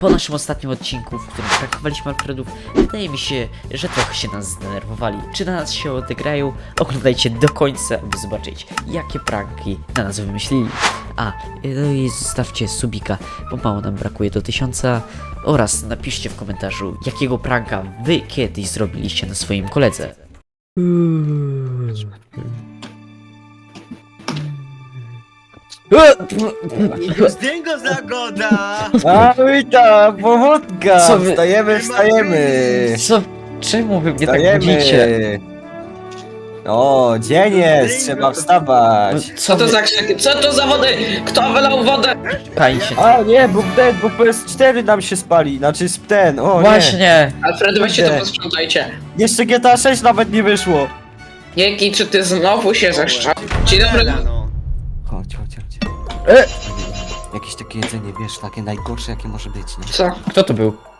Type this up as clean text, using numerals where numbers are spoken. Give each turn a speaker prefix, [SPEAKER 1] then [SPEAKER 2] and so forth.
[SPEAKER 1] Po naszym ostatnim odcinku, w którym prankowaliśmy Alfredów, wydaje mi się, że trochę się nas zdenerwowali. Czy na nas się odegrają? Oglądajcie do końca, by zobaczyć, jakie pranki na nas wymyślili. No i zostawcie subika, bo mało nam brakuje do 1000. Oraz napiszcie w komentarzu, jakiego pranka wy kiedyś zrobiliście na swoim koledze.
[SPEAKER 2] Zdjęgo zagoda!
[SPEAKER 3] A witam, powódka!
[SPEAKER 1] Co wy-
[SPEAKER 3] Wstajemy!
[SPEAKER 1] Co? Czemu wy mnie tak budzicie?
[SPEAKER 3] Wstajemy! O, dzień jest, trzeba wstawać!
[SPEAKER 1] Co
[SPEAKER 4] Co to
[SPEAKER 1] wy...
[SPEAKER 4] za krzyki? Co to za wody? Kto wylał wodę?
[SPEAKER 1] Pani się...
[SPEAKER 3] A nie, bo PS4 nam się spali, znaczy ten, o nie!
[SPEAKER 1] Właśnie!
[SPEAKER 4] Alfred, weźcie to
[SPEAKER 3] Idę.
[SPEAKER 4] posprzątajcie.
[SPEAKER 3] Jeszcze GTA 6 nawet nie wyszło!
[SPEAKER 4] Jaki, czy ty znowu się zeszczał? Dzień dobry.
[SPEAKER 2] No.
[SPEAKER 3] Chodź.
[SPEAKER 1] E!
[SPEAKER 3] Jakieś takie jedzenie, wiesz, takie najgorsze jakie może być, nie?
[SPEAKER 4] Co?
[SPEAKER 1] Kto to był?